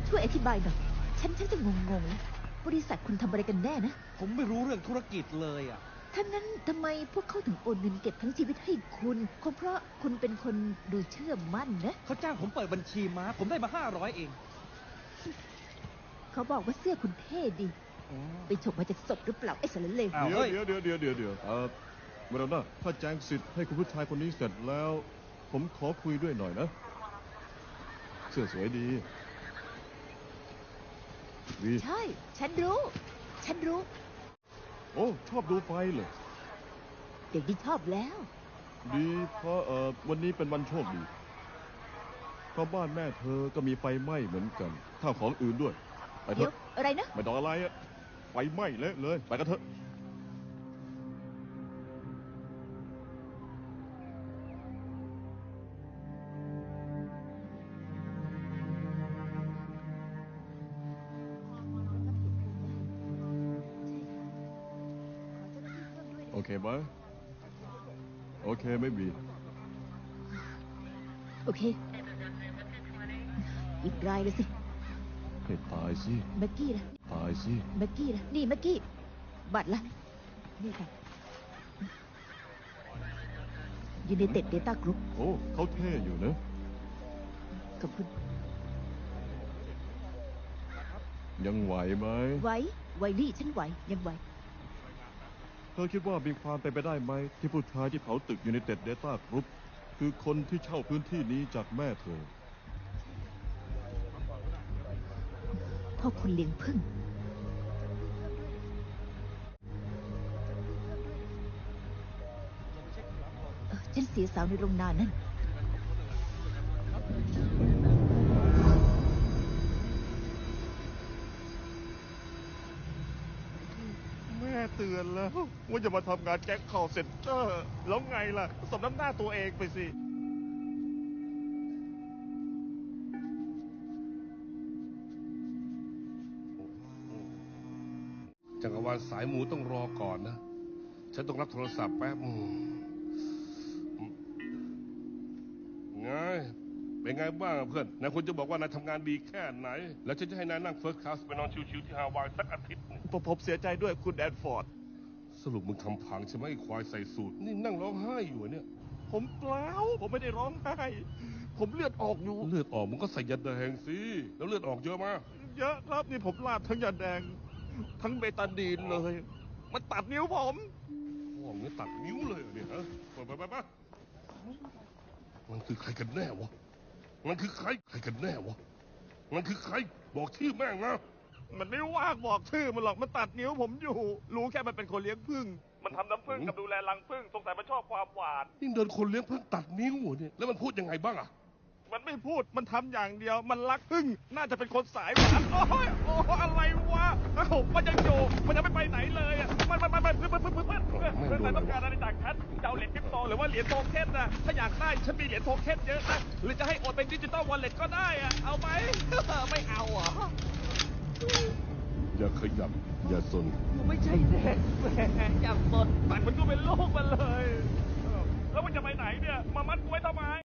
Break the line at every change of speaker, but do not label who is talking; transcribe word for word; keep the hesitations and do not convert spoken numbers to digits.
ช่วยอธิบายหน่อยฉันฉันจะงงๆนะบริษัทคุณทำอะไรกันแน่นะ
ผมไม่รู้เรื่องธุรกิจเลยอ่ะ
ถ้างั้นทำไมพวกเขาถึงโอนเงินเก็บทั้งชีวิตให้คุณคงเพราะคุณเป็นคนดูเชื่อมั่นนะ
เขาจ้างผมเปิดบัญชีม้าผมได้มาห้าร้อยเอง
เขาบอกว่าเสื้อคุณเท่ดีไปฉกมาจากศพหรือเปล่าไอ้สารเลว
เดี๋ยวเดี๋ยวเดี๋ยวเดี๋ยวเดี๋ยวเออเมรน่าถ้าแจ้งสิทธิ์ให้คุณผู้ชายคนนี้เสร็จแล้วผมขอคุยด้วยหน่อยนะเสื้อสวยดีดี
ใช่ฉันรู้ฉันรู้
โอ้ชอบดูไฟเลย
เด็กดีชอบแล้ว
ดีเพราะเออวันนี้เป็นวันโชคดีเพราะบ้านแม่เธอก็มีไฟไหม้เหมือนกันข้าวของอื่นด้วยไปเถ
เดี๋ยว
อะ
อะไรนะ
ไม่ต้องอะไรอะไฟไหม้เละเลยไปกันเถอะโอเคไหมโอเคไม่มี
โอเคอีกรายเลยสิ
ให้ตายสิ
แม็กกี้ล่ะ
ตายสิ
แม็กกี้ล่ะนี่แม็กกี้บัตรล่ะนี่ค่ะยูไนเต็ดเดต้ากรุ๊ป
โอ้เขาเท่อยู่นะ
ขอบคุณ
ยังไหวไหม
ไหวไหวนี่ฉันไหวยังไหว
เธอคิดว่ามีความเป็นไปได้ไหมที่ผู้ชายที่เผาตึกยูไนเต็ดเดต้ากรุ๊ปคือคนที่เช่าพื้นที่นี้จากแม่เธอ
พ่อคุณเลี้ยงพึ่งฉันเสียสาวในโรงนานั่น
แม่เตือนแล้วว่าจะมาทำงานแก๊งคอลเซ็นเตอร์แล้วไงล่ะสมน้ำหน้าตัวเองไปสิ
จักรวาลสายหมูต้องรอก่อนนะฉันต้องรับโทรศัพท์แป๊บไงเป็นไงบ้างเพื่อนนายคุณจะบอกว่านายทำงานดีแค่ไหนแล้วฉันจะให้นายนั่งเฟิร์สคลาสไปนอนชิวๆที่ฮาวายสักอาทิตย์
ผมผมเสียใจด้วยคุณแอดฟอร์ด
สรุปมึงทำพังใช่ไหมไอ้ควายใส่สูทนี่นั่งร้องไห้อยู่เนี่ย
ผมเปล่าผมไม่ได้ร้องไห้ผมเลือดออกอยู่
เลือดออกมึงก็ใส่ยาแดงสิแล้วเลือดออกเยอะมาก
เยอะครับนี่ผมลาดทั้งยาแดงทั้งเบตาดีนเลยมันตัดนิ้วผม
โอ้มึงตัดนิ้วเลยเนี่ยฮะไปไปไปไปมันคือใครกันแน่วะมันคือใครใครกันแน่วะมันคือใครบอกชื่อแม่งนะ
มันไม่ว่างบอกชื่อมันหรอกมันตัดนิ้วผมอยู่รู้แค่มันเป็นคนเลี้ยงผึ้งมันทำน้ำผึ้งกับดูแลรังผึ้งสงสัยมันชอบความหวาน
นี่เดินคนเลี้ยงผึ้งตัดนิ้วเนี่ยแล้วมันพูดยังไงบ้างอะ
มันไม่พูดมันทำอย่างเดียวมันรักผึ้งน่าจะเป็นคนสายหวานโอ้ยโอ้อะไรวะเอ้ามันยังอยู่มันยังไม่ไปไหนเลยอ่ะมันมันมันมันเพื่อนเพื่อนเพื่อนเพื่อนเพื่อนเพื่อนต้องการอะไรจากฉันจะเอาเหรียญคริปโตหรือว่าเหรียญโทเค็นนะถ้าอยากได้ฉันมีเหรียญโทเค็นเยอะนะหรือจะให้โอนเป็นดิจิตอลวอลเล็ตก็ได้อ่ะเอาไหมไม่เอาอ่ะ
อย่าขยับอย่าสน
ไม่ใช่เด็กแหมอย่าสน
ตัดมันก็เป็นโลกมันเลยแล้วมันจะไปไหนเนี่ยมามัดกูไว้ทำไม